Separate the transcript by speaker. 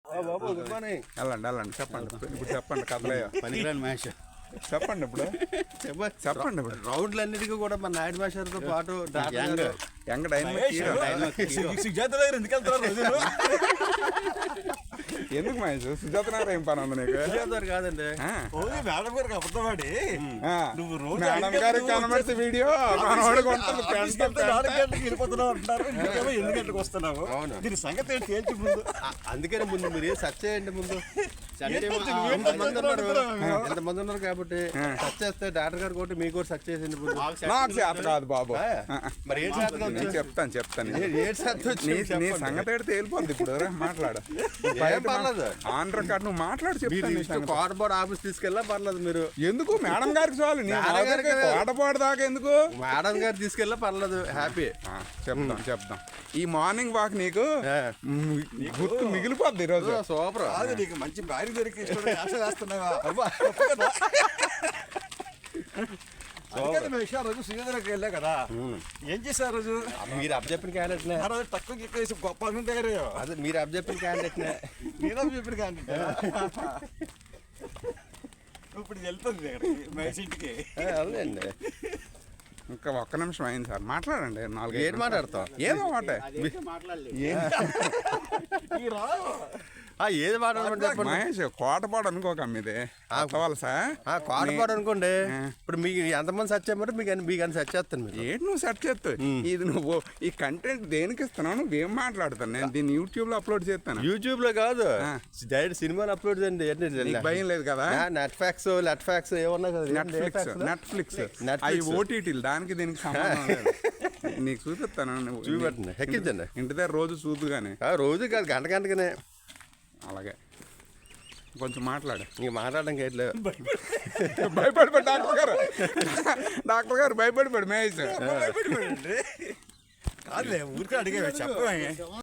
Speaker 1: వెళ్ళండి చెప్పండి ఇప్పుడు చెప్పండి కథలే
Speaker 2: పనికిరాని మహేష్
Speaker 1: చెప్పండి ఇప్పుడు చెప్పండి ఇప్పుడు
Speaker 2: రౌండ్లన్నిటికీ కూడా మన నాయుడు మాస్టర్తో పాటు
Speaker 1: యంగ్ డైనమిక్ ఎందుకు మహేష్ సుజాత నగర్ ఏం పని ఉంది నీకు
Speaker 2: కాదండి
Speaker 3: మేడం గారికి అబద్ధమాడి
Speaker 1: మేడం గారికి కనబడితే వీడియో మనవాడికి ఉంటుంది
Speaker 3: 4 గంటలకు వెళ్ళిపోతున్నావు అంటున్నారు. ఇంకేమో 8 గంటలకు వస్తున్నావు. దీని సంగతి ఏంటి తేల్చి ముందు.
Speaker 2: అందుకని ముందు మీరు సెర్చ్ చేయండి. ముందు ఎంతమంది ఉన్నారు కాబట్టి సెర్చ్ చేస్తే డాక్టర్ గారు కొట్టి మీకు కూడా సెర్చ్ చేసింది.
Speaker 1: నాకు చేత కాదు బాబు.
Speaker 2: మరి ఏం
Speaker 1: నేను చెప్తాను
Speaker 2: ఏ
Speaker 1: నీ సంగతి అయితే తేలిపోద్ది ఇప్పుడు మాట్లాడు ఆన్ రికార్డ్ నువ్వు మాట్లాడు చెప్తాను.
Speaker 2: కార్బోర్డ్ ఆఫీస్ తీసుకెళ్ళా పర్లేదు. మీరు
Speaker 1: ఎందుకు మేడం గారికి చాలు ఆటపాడు దాకా ఎందుకు
Speaker 2: మేడం గారు తీసుకెళ్ళా పర్లేదు. హ్యాపీ
Speaker 1: చెప్తాం ఈ మార్నింగ్ వాక్ నీకు గుర్తు మిగిలిపోద్ది ఈరోజు.
Speaker 2: సూపర్.
Speaker 3: అది నీకు మంచి భార్య దొరికి ఆశ వేస్తున్నావా? రోజు సుజాతకి వెళ్ళా కదా, ఏం చేశారు రోజు?
Speaker 2: మీరు అప్ చెప్పిన క్యాండిడేట్
Speaker 3: ఆ రోజు తక్కువ ఎక్కువ గొప్ప దగ్గర
Speaker 2: అదే మీరు అప్ చెప్పిన క్యాండిడేట్
Speaker 3: నేను చెప్పిన క్యాండిడేట్ ఇప్పుడు వెళ్తుంది మహేష్ ఇంటికి.
Speaker 2: అవునండి.
Speaker 1: ఇంకా ఒక్క నిమిషం అయింది సార్, మాట్లాడండి. 4
Speaker 2: ఏం మాట్లాడతాం?
Speaker 1: ఏదో మాట
Speaker 2: ఏది మాట్లాడమంటే చెప్పండి.
Speaker 1: మహేష్ కోటపాడు అనుకోక మీది
Speaker 2: కోటపాడు అనుకోండి. ఇప్పుడు మీకు ఎంతమంది సెర్చ్ చేయమంటే మీకు అని సెర్చ్ చేస్తాను. మీరు
Speaker 1: ఏంటి నువ్వు సెర్చ్ చేస్తావు? ఇది నువ్వు ఈ కంటెంట్ దేనికి ఇస్తున్నావు? నువ్వేం మాట్లాడతాను? నేను దీన్ని యూట్యూబ్ లో అప్లోడ్ చేస్తాను.
Speaker 2: యూట్యూబ్ లో కాదు, డైరెక్ట్ సినిమాలు అప్లోడ్ చేయండి.
Speaker 1: భయం లేదు కదా?
Speaker 2: నెట్ఫ్యాక్స్ ఏమన్నా కదా,
Speaker 1: నెట్ఫ్లిక్స్ అవి ఓటీటీలు, దానికి దీనికి సంబంధం లేదు. నీకు చూపిస్తాను.
Speaker 2: చూపెట్టండి, ఎక్కించండి.
Speaker 1: ఇంటి దగ్గర రోజు చూద్దు కానీ.
Speaker 2: రోజు కాదు, గంటగానే.
Speaker 1: అలాగే కొంచెం మాట్లాడు.
Speaker 2: ఇంక మాట్లాడడానికి ఎట్లేదు.
Speaker 1: భయపడిపోయి డాక్టర్ గారు భయపడిపోయాడు మహేష్.
Speaker 3: కాదులే ఊరికే అడిగా చెప్ప